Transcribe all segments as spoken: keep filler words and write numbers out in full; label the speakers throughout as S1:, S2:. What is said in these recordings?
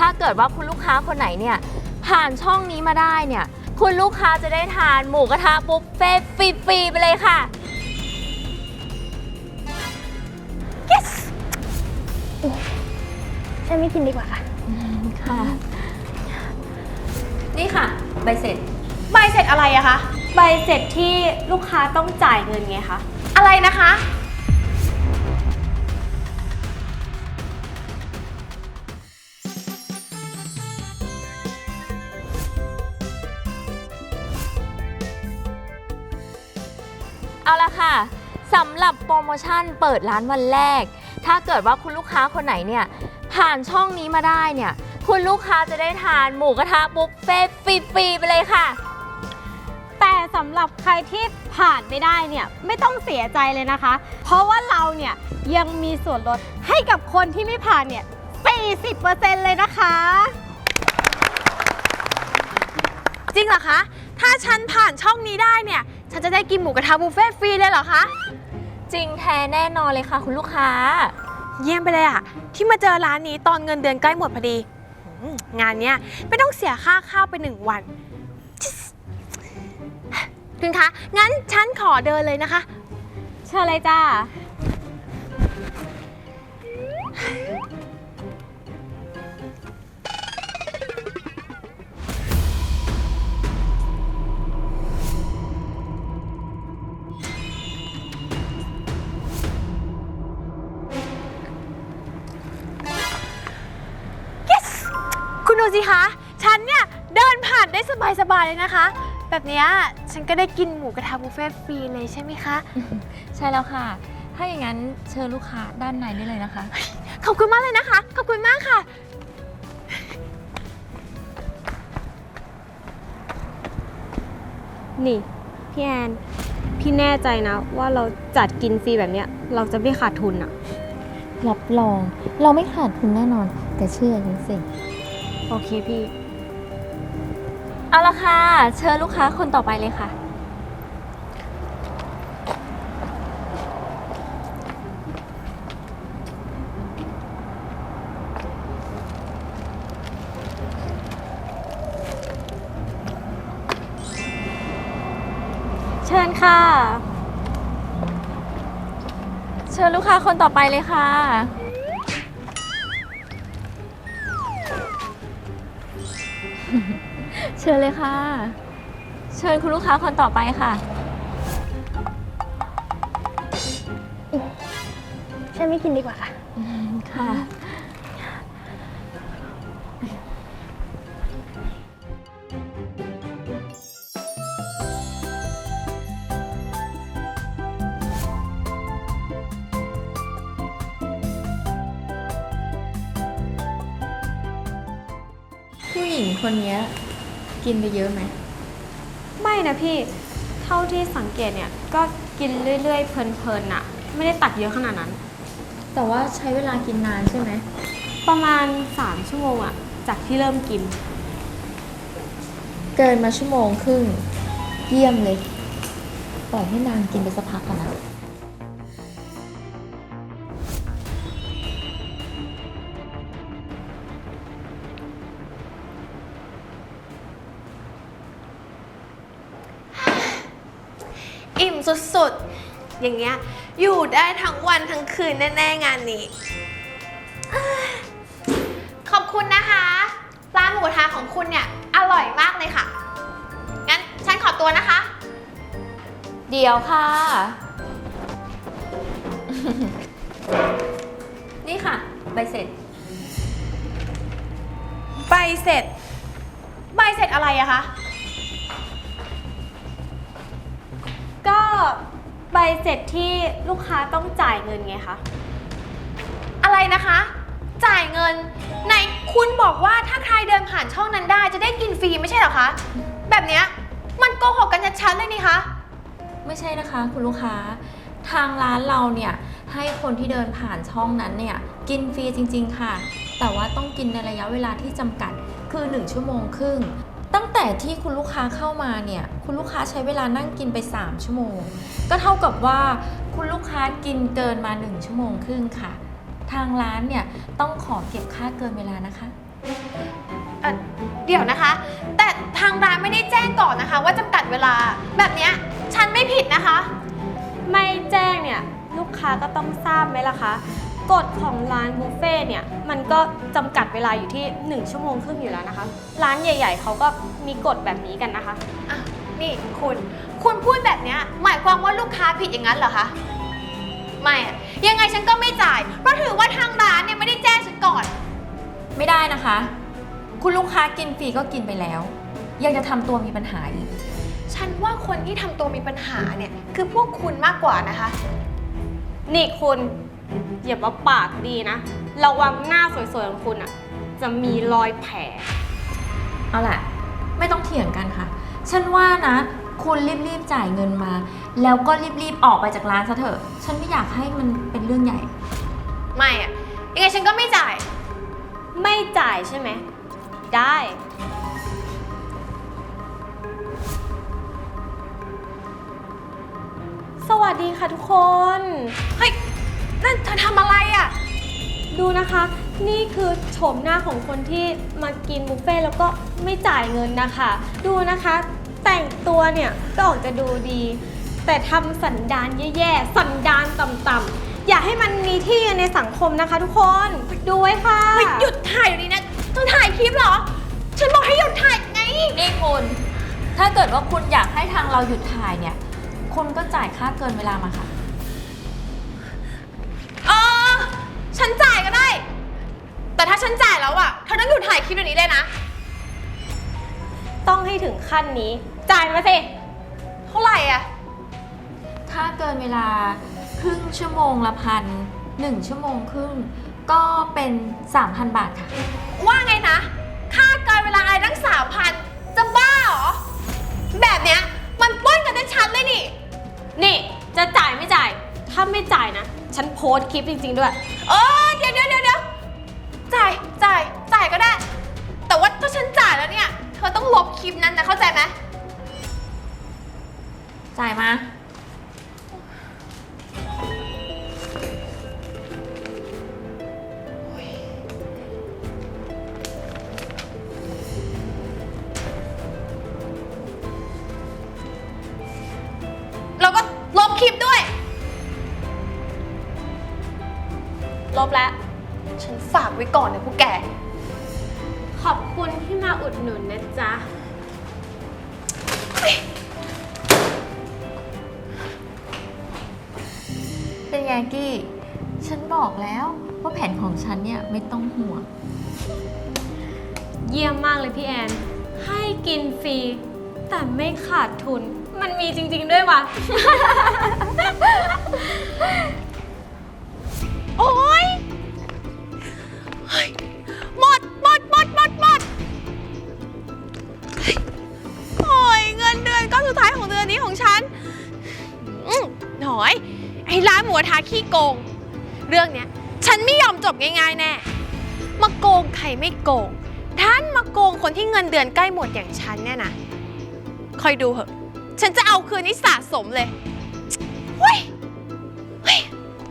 S1: ถ้าเกิดว่าคุณลูกค้าคนไหนเนี่ยผ่านช่องนี้มาได้เนี่ยคุณลูกค้าจะได้ทานหมูกระทะบุฟเฟ่ต์ฟรีๆไปเลยค่ะ
S2: yes ฉันไม่กินดีกว่าค่ะ
S1: ค่ะนี่ค่ะใบเสร็จ
S3: ใบเสร็จอะไรอะคะใบเสร็จที่ลูกค้าต้องจ่ายเงินไงคะอะไรนะคะ
S1: เอาละค่ะสำหรับโปรโมชั่นเปิดร้านวันแรกถ้าเกิดว่าคุณลูกค้าคนไหนเนี่ยผ่านช่องนี้มาได้เนี่ยคุณลูกค้าจะได้ทานหมูกระทะบุฟเฟ่ต์ฟรีๆไปเลยค่ะ
S3: แต่สำหรับใครที่ผ่านไม่ได้เนี่ยไม่ต้องเสียใจเลยนะคะเพราะว่าเราเนี่ยยังมีส่วนลดให้กับคนที่ไม่ผ่านเนี่ย สี่สิบเปอร์เซ็นต์ เลยนะคะจริงเหรอคะถ้าฉันผ่านช่องนี้ได้เนี่ยฉันจะได้กินหมูกระทะบุฟเฟ่ต์ฟรีเลยเหรอคะ
S1: จริงแท้แน่นอนเลยค่ะคุณลูกค้า
S3: เยี่ยมไปเลยอะที่มาเจอร้านนี้ตอนเงินเดือนใกล้หมดพอดีงานเนี้ยไม่ต้องเสียค่าข้าวไปหนึ่งวันคุณคะงั้นฉันขอเดินเลยนะคะเชิญเลยจ้าคุณดูสิคะฉันเนี่ยเดินผ่านได้สบายๆเลยนะคะแบบนี้ฉันก็ได้กินหมูกระทะบุฟเฟ่ต์ฟรีเลยใช่ไหมคะ
S1: ใช่แล้วค่ะถ้าอย่างนั้นเชิญลูกค้าด้านในได้เลยนะคะ
S3: ขอบคุณมากเลยนะคะขอบคุณมากค่ะนี่พี่แอนพี่แน่ใจนะว่าเราจัดกินฟรีแบบเนี้ยเราจะไม่ขาดทุนอะ
S1: รับรองเราไม่ขาดทุนแน่นอนแต่เชื่อฉันสิ
S3: โอเคพี่
S1: เอาละค่ะเชิญลูกค้าคนต่อไปเลยค่ะ
S3: เชิญค่ะ
S1: เชิญลูกค้าคนต่อไปเลยค่ะเชิญเลยค่ะเชิญคุณลูกค้าคนต่อไปค่ะ
S2: ฉันไม่กินดีกว่าค่ะ
S1: ค่ะผู้หญิงคนนี้กินไปเยอะไหม
S3: ไม่นะพี่เท่าที่สังเกตเนี่ยก็กินเรื่อยๆเพลินๆน่ะไม่ได้ตักเยอะขนาดนั้น
S1: แต่ว่าใช้เวลากินนานใช่ไหม
S3: ประมาณสามชั่วโมงอะจากที่เริ่มกิน
S1: เกินมาชั่วโมงครึ่งเยี่ยมเลยปล่อยให้นางกินไปสักพักก่อนนะ
S3: อิ่มสุดๆอย่างเงี้ยอยู่ได้ทั้งวันทั้งคืนแน่ๆงานนี้ขอบคุณนะคะร้านหมูกระทะของคุณเนี่ยอร่อยมากเลยค่ะงั้นฉันขอตัวนะคะ
S1: เดี๋ยวค่ะนี่ค่ะใบเสร็จ
S3: ใบเสร็จใบเสร็จอะไรอะคะก็ใบเสร็จที่ลูกค้าต้องจ่ายเงินไงคะอะไรนะคะจ่ายเงินไหนคุณบอกว่าถ้าใครเดินผ่านช่องนั้นได้จะได้กินฟรีไม่ใช่เหรอคะแบบเนี้ยมันโกหกกันชัดๆเลยนี่คะ
S1: ไม่ใช่นะคะคุณลูกค้าทางร้านเราเนี่ยให้คนที่เดินผ่านช่องนั้นเนี่ยกินฟรีจริงๆค่ะแต่ว่าต้องกินในระยะเวลาที่จำกัดคือหนึ่งชั่วโมงครึ่งตั้งแต่ที่คุณลูกค้าเข้ามาเนี่ยคุณลูกค้าใช้เวลานั่งกินไปสามชั่วโมงก็เท่ากับว่าคุณลูกค้ากินเกินมาหนึ่งชั่วโมงครึ่งค่ะทางร้านเนี่ยต้องขอเก็บค่าเกินเวลานะคะ
S3: เอ่อเดี๋ยวนะคะ แต่ทางร้านไม่ได้แจ้งก่อนนะคะ ว่าจำกัดเวลาแบบเนี้ยฉันไม่ผิดนะคะ ไม่แจ้งเนี่ยลูกค้าก็ต้องทราบไหมล่ะคะกฎของร้านบุฟเฟ่ต์เนี่ยมันก็จำกัดเวลาอยู่ที่หนึ่งชั่วโมงครึ่งอยู่แล้วนะคะ ร้านใหญ่ๆเขาก็มีกฎแบบนี้กันนะคะอ่ะนี่คุณคุณพูดแบบเนี้ยหมายความว่าลูกค้าผิดอย่างนั้นเหรอคะไม่อะยังไงฉันก็ไม่จ่ายเพราะถือว่าทางร้านเนี่ยไม่ได้แจ้งฉันก่อน
S1: ไม่ได้นะคะ คุณลูกค้ากินฟรีก็กินไปแล้ว ยังจะทำตัวมีปัญหาอีก
S3: ฉันว่าคนที่ทำตัวมีปัญหาเนี่ยคือพวกคุณมากกว่านะคะนี่คุณอย่ามาปากดีนะระวังหน้าสวยๆของคุณอะจะมีรอยแผล
S1: เอาล่ะ ไม่ต้องเถียงกันค่ะ ฉันว่านะ คุณรีบๆจ่ายเงินมา แล้วก็รีบๆออกไปจากร้านซะเถอะ ฉันไม่อยากให้มันเป็นเรื่องใหญ่
S3: ไม่อะยังไงฉันก็ไม่จ่าย ไม่จ่ายใช่ไหมได้ สวัสดีค่ะทุกคนเฮ้ยนั่นเธอทำอะไรอะดูนะคะ นี่คือโฉมหน้าของคนที่มากินบุฟเฟ่ต์แล้วก็ไม่จ่ายเงินนะคะ ดูนะคะ แต่งตัวเนี่ยก็ออกจะดูดี แต่ทำสันดานแย่ๆสันดานต่ำๆอย่าให้มันมีที่ในสังคมนะคะทุกคนดูไว้ค่ะหยุดถ่ายอยู่นี้นะเธอถ่ายคลิปเหรอฉันบอกให้หยุดถ่ายไง
S1: นี่คุณ ถ้าเกิดว่าคุณอยากให้ทางเราหยุดถ่ายเนี่ย คุณก็จ่ายค่าเกินเวลามาค่ะ
S3: เออฉันจ่ายก็ได้แต่ถ้าฉันจ่ายแล้วอะเธอต้องหยุดถ่ายคลิปเดี๋ยวนี้เลยนะต้องให้ถึงขั้นนี้จ่ายมาสิเท่าไหร่อะ
S1: ถ้าเกินเวลาครึ่งชั่วโมงละพันหนึ่งชั่วโมงครึ่งก็เป็น สามพัน บาทค่ะ
S3: ว่าไงนะค่าเกินเวลาอะไรตั้ง สามพัน จะบ้าเหรอแบบเนี้ยมันปล้นกันชัดๆเลยนี่นี่จะจ่ายไม่จ่ายถ้าไม่จ่ายนะฉันโพสต์คลิปจริงๆด้วยเออเดี๋ยวเดี๋ยวเดี๋ยวเดี๋ยวจ่ายจ่ายจ่ายก็ได้แต่ว่าถ้าฉันจ่ายแล้วเนี่ยเธอต้องลบคลิปนั้นนะเข้าใจไหม
S1: จ่ายมา
S3: แล้วก็ลบคลิปด้วยลบแล้วฉันฝากไว้ก่อนนะพวกแกขอบคุณที่มาอุดหนุนนะจ๊ะ
S1: เป็นไงกี้ ฉันบอกแล้วว่าแผนของฉันเนี่ยไม่ต้องห่วง
S3: เยี่ยมมากเลยพี่แอนให้กินฟรีแต่ไม่ขาดทุนมันมีจริงๆด้วยวะ โอ๊ยหมดหมดหมดหมดหมดโอ้ยเงินเดือนก้อนสุดท้ายของเดือนนี้ของฉันอืมหน่อยไอ้ร้านหมูกระทะขี้โกงเรื่องเนี้ยฉันไม่ยอมจบง่ายๆแน่มาโกงใครไม่โกงท่านมาโกงคนที่เงินเดือนใกล้หมดอย่างฉันเนี่ยนะคอยดูเหอะฉันจะเอาคืนนี้สะสมเลยเฮ้ยเฮ้ย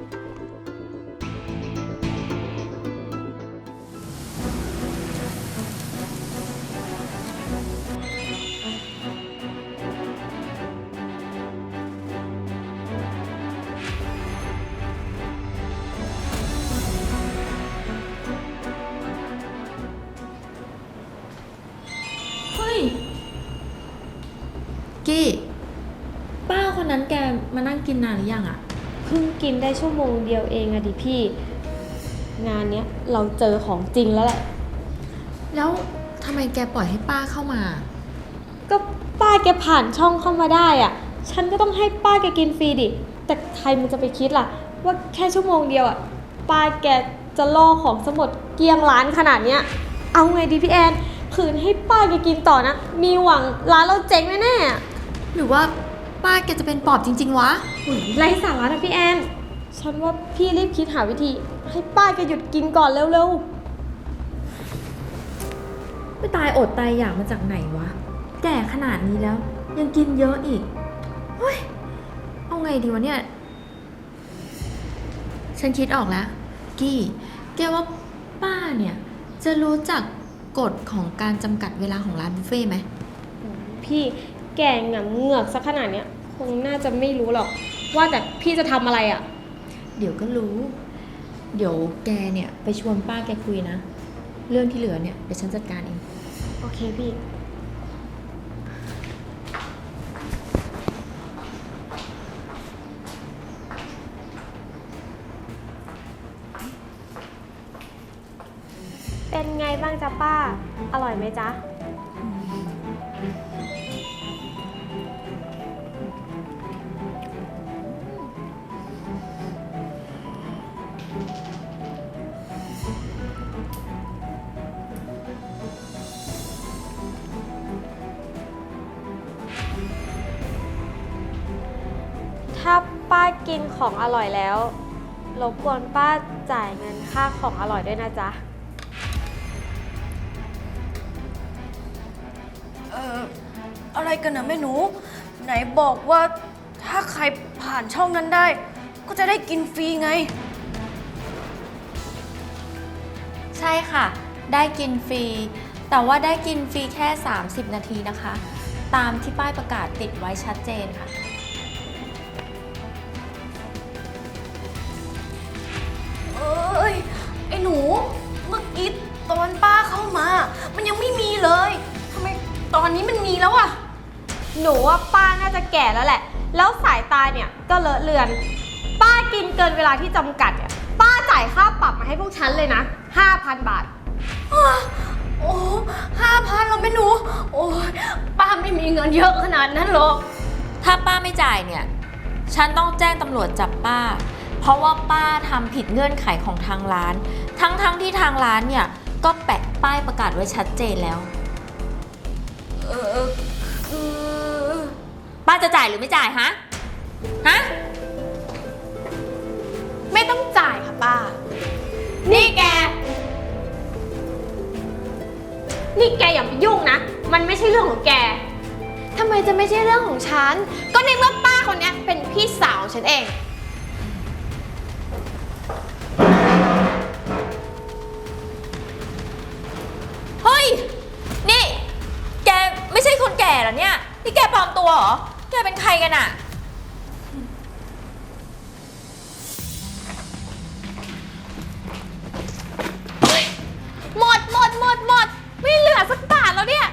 S1: กี้ ป้าคนนั้นแกมานั่งกินนานหรือยังอะ
S2: เพิ่งกินได้ชั่วโมงเดียวเองอะดิพี่ งานเนี้ยเราเจอของจริงแล้วแหละ
S1: แล้วทำไมแกปล่อยให้ป้าเข้ามา
S2: ก็ป้าแกผ่านช่องเข้ามาได้อะฉันก็ต้องให้ป้าแกกินฟรีดิแต่ใครมันจะไปคิดล่ะว่าแค่ชั่วโมงเดียวอะป้าแกจะล่อของสมดเกลี้ยงร้านขนาดเนี้ยเอาไงดีพี่แอนคืนให้ป้าแกกินต่อนะมีหวังร้านเราเจ๊งแน่
S1: ๆหรือว่าป้าแกจะเป็นปอบจริงๆวะ
S2: ไร้สาระนะพี่แอนฉันว่าพี่รีบคิดหาวิธีให้ป้าแกหยุดกินก่อนเร็ว
S1: ๆไม่ตายอดตายอยากมาจากไหนวะแก่ขนาดนี้แล้วยังกินเยอะอีกเฮ้ยเอาไงดีวะเนี่ยฉันคิดออกแล้วกี้แกว่าป้าเนี่ยจะรู้จักกฎของการจำกัดเวลาของร้านบุฟเฟ่ต์ไหม
S2: พี่แกงอะเหงือกสักขนาดเนี้ยคงน่าจะไม่รู้หรอก ว่าแต่พี่จะทำอะไรอะ
S1: เดี๋ยวก็รู้ เดี๋ยวแกเนี่ยไปชวนป้าแกคุยนะ เรื่องที่เหลือเนี่ยเดี๋ยวฉันจัดการเอง
S2: โอเคพี่ เป็นไงบ้างจ๊ะป้า อร่อยไหมจ๊ะ ถ้าป้ากินของอร่อยแล้วรบกวนป้าจ่ายเงินค่าของอร่อยด้วยนะจ๊ะ
S4: เอ่ออะไรกันนะแม่หนู ไหนบอกว่าถ้าใครผ่านช่องนั้นได้ ก็จะได้กินฟรีไง
S1: ใช่ค่ะ ได้กินฟรี แต่ว่าได้กินฟรีแค่ สามสิบ นาทีนะคะ ตามที่ป้ายประกาศติดไว้ชัดเจนค่ะ
S4: เอ้ย ไอ้หนู เมื่อกี้ตอนป้าเข้ามา มันยังไม่มีเลยทำไมตอนนี้มันมีแล้วอะ
S2: หนูว่าป้าน่าจะแก่แล้วแหละ แล้วสายตาเนี่ยก็เลอะเลือน ป้ากินเกินเวลาที่จำกัดเนี่ย ป้าจ่ายค่าปรับมาให้พวกฉันเลยนะ ห้าพัน บาท
S4: โอ้ห้าพันเราแม่หนู โอ้ยป้าไม่มีเงินเยอะขนาดนั้นหรอก
S1: ถ้าป้าไม่จ่ายเนี่ย ฉันต้องแจ้งตำรวจจับป้า เพราะว่าป้าทำผิดเงื่อนไขของทางร้าน ทั้งๆทที่ทางร้านเนี่ยก็แปะป้ายประกาศไว้ชัดเจนแล้ว
S4: เออคือ
S1: ป้าจะจ่ายหรือไม่จ่ายฮะ ฮะ
S3: ไม่ต้องจ่ายค่ะป้า
S2: นี่แก นี่แกอย่ามายุ่งนะ มันไม่ใช่เรื่องของแก
S3: ทำไมจะไม่ใช่เรื่องของฉัน ก็ในเมื่อป้าคนเนี้ยเป็นพี่สาวของฉันเอง
S1: เฮ้ย นี่ แกไม่ใช่คนแก่เหรอเนี่ย นี่แกปลอมตัวเหรอ แกเป็นใครกันอะ
S3: หมดหมดหมดหมดไม่เหลือสักบาทแล้วเนี่ย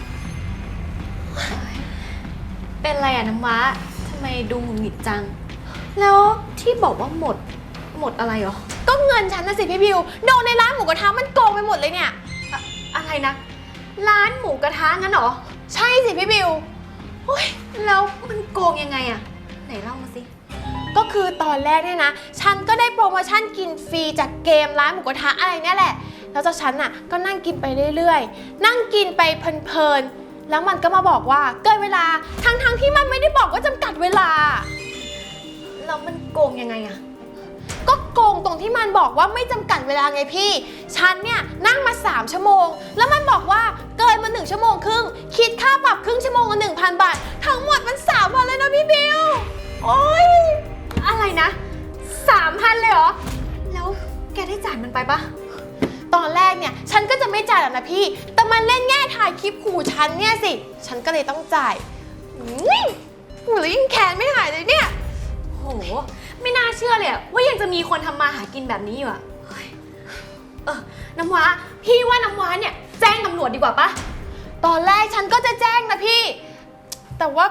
S4: เป็นไรอะน้ำว้าทำไมดูหงุดหงิดจัง แล้วที่บอกว่าหมด หมดอะไรหรอ
S3: ก็เงินฉันนะสิพี่บิว โดนในร้านหมูกระทะมันโกงไปหมดเลยเนี่ย
S4: อะอะไรนะ ร้านหมูกระทะงั้นเหรอ
S3: ใช่สิพี่บิว
S4: เฮ้ย แล้วมันโกงยังไงอะไหนเล่ามาสิ
S3: ก็คือตอนแรกเนี่ยนะ ฉันก็ได้โปรโมชั่นกินฟรีจากเกมร้านหมูกระทะอะไรเนี่ยแหละ แล้วเจ้าฉันน่ะก็นั่งกินไปเรื่อยๆ นั่งกินไปเพลินๆ แล้วมันก็มาบอกว่าเกินเวลา ทั้งๆที่มันไม่ได้บอกว่าจำกัดเวลา
S4: แล้วมันโกงยังไงอะ
S3: ก็โกงตรงที่มันบอกว่าไม่จำกัดเวลาไงพี่ ฉันเนี่ยนั่งมาสามชั่วโมง แล้วมันบอกว่าเกินมาหนึ่งชั่วโมงครึ่ง คิดค่าปรับครึ่งชั่วโมงละหนึ่งพันบาท ทั้งหมดมันสามพันเลยนะพี่บิว โอ๊ย
S4: อะไรนะสามพันเลยเหรอ แล้วแกได้จ่ายมันไปปะ
S3: ตอนแรกเนี่ยฉันก็จะไม่จ่ายหรอกนะพี่ แต่มันเล่นแง่ถ่ายคลิปขู่ฉันเนี่ยสิ ฉันก็เลยต้องจ่ายอุ้ยหรือยิ่งแค้นไม่หายเลยเนี่ย
S4: โห ไม่น่าเชื่อเลยอะว่ายังจะมีคนทำมาหากินแบบนี้อยู่อะเฮ้ยเออ น้ำว้า พี่ว่าน้ำว้าเนี่ยแจ้งตำรวจดีกว่าปะ
S3: ตอนแรกฉันก็จะแจ้งนะพี่ แต่ว่า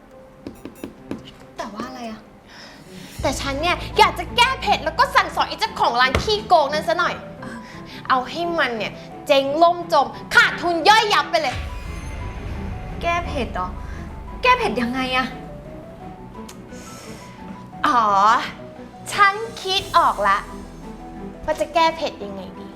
S4: แต่ว่าอะไรอะ
S3: แต่ฉันเนี่ยอยากจะแก้เผ็ดแล้วก็สั่งสอนไอ้เจ้าของร้านขี้โกงนั้นซะหน่อย เอาให้มันเนี่ยเจ๊งล่มจมขาดทุนย่อยยับไปเลย
S4: แก้เผ็ดเหรอ แก้เผ็ดยังไงอะ
S3: อ๋อ ฉันคิดออกละว่าจะแก้เผ็ดยังไงดี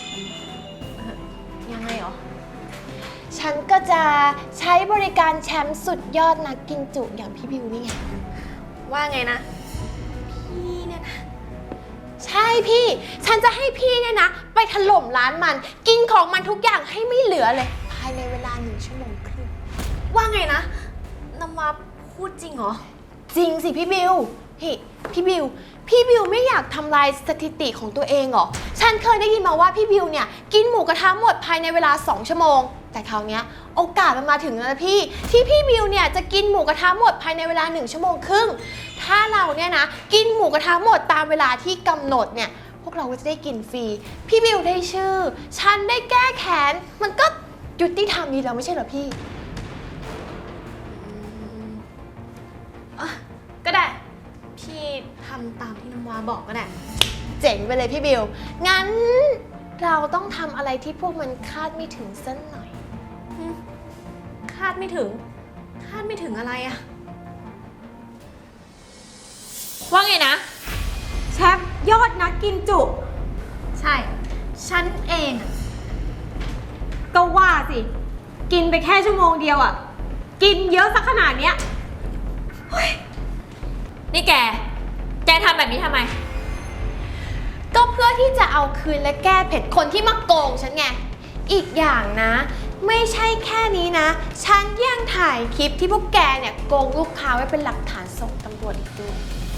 S4: ยังไงเหรอ
S3: ฉันก็จะใช้บริการแชมป์สุดยอดนักกินจุอย่างพี่บิวนี่ไง
S4: ว่าไงนะ พี่เนี่ยนะ
S3: ใช่พี่ ฉันจะให้พี่เนี่ยนะ ไปถล่มร้านมัน กินของมันทุกอย่างให้ไม่เหลือเลย ภายในเวลาหนึ่งชั่วโมงครึ่ง
S4: ว่าไงนะน้ำว้าพูดจริงเหรอ
S3: จริงสิพี่บิวพี่พี่บิว พี่บิวไม่อยากทำลายสถิติของตัวเองเหรอ ฉันเคยได้ยินมาว่าพี่บิวเนี่ยกินหมูกระทะหมดภายในเวลาสองชั่วโมง แต่คราวเนี้ยโอกาสมันมาถึงแล้วนะพี่ ที่พี่บิวเนี่ยจะกินหมูกระทะหมดภายในเวลาหนึ่งชั่วโมงครึ่ง ถ้าเราเนี่ยนะกินหมูกระทะหมดตามเวลาที่กำหนดเนี่ยพวกเราก็จะได้กินฟรี พี่บิวได้ชื่อ ฉันได้แก้แค้น มันก็ยุติธรรมดีแล้วไม่ใช่เหรอพี่
S4: อ่ะก็ได้ พี่ทำตามที่น้ำว้าบอกก็ได้
S3: เจ๋งไปเลยพี่บิว งั้นเราต้องทำอะไรที่พวกมันคาดไม่ถึงสักหน่อย
S4: คาดไม่ถึง คาดไม่ถึงอะไรอะ
S1: ว่าไงนะ
S2: แชปยอดนักกินจุ
S4: ใช่ ฉันเองอะ
S2: ก็ว่าสิ กินไปแค่ชั่วโมงเดียวอะกินเยอะสักขนาดเนี้ย
S1: นี่แก แกทำแบบนี้ทำไม
S3: ก็เพื่อที่จะเอาคืนและแก้เผ็ดคนที่มาโกงฉันไง อีกอย่างนะ ไม่ใช่แค่นี้นะ ฉันยังถ่ายคลิปที่พวกแกเนี่ยโกงลูกค้าไว้เป็นหลักฐานส่งตำรวจอีกด้วย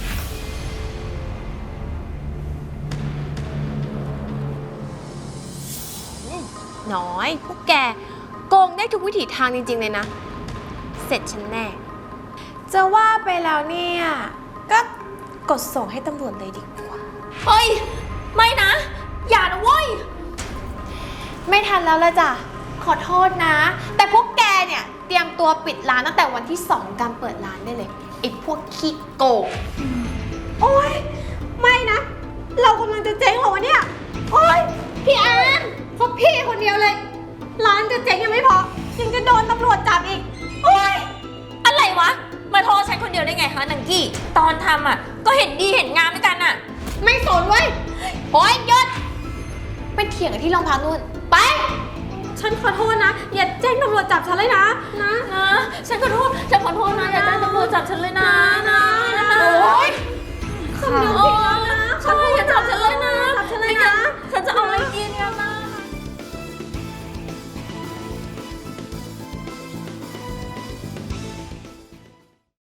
S3: น้อย พวกแกโกงได้ทุกวิถีทางจริงๆเลยนะ เสร็จฉันแน่ จะว่าไปแล้วเนี่ย ก็กดส่งให้ตำรวจเลยดีกว่า
S1: เฮ้ย ไม่นะ อย่านะเว้ย
S3: ไม่ทันแล้วละจ้ะ ขอโทษนะ แต่พวกแกเนี่ยเตรียมตัวปิดร้านตั้งแต่วันที่สองการเปิดร้านได้เลยไอ้พวกขี้โกง
S2: โอ๊ย ไม่นะ เรากำลังจะเจ๊งเหรอวะเนี่ย โอ๊ย พี่อาร์มเพราะพี่คนเดียวเลย ร้านจะเจ๊งยังไม่พอ ยังจะโดนตำรวจจับอีก โอ๊ย
S1: อะไรวะ มาโทษฉันคนเดียวได้ไงคะนังกี้ ตอนทำอ่ะ ก็เห็นดีเห็นงามด้วยกันอ่ะ
S3: ไม่สนเว้ยโอ๊ยหยุดไปเถียงกันที่โรงพักนู่น ไป
S2: ฉันขอโทษนะ อย่าแจ้งตำรวจจับฉันเลยนะ นะ
S1: นะ ฉันขอโทษ ฉันขอโทษนะ อย่าแจ้งตำรวจจับฉันเลยนะนะ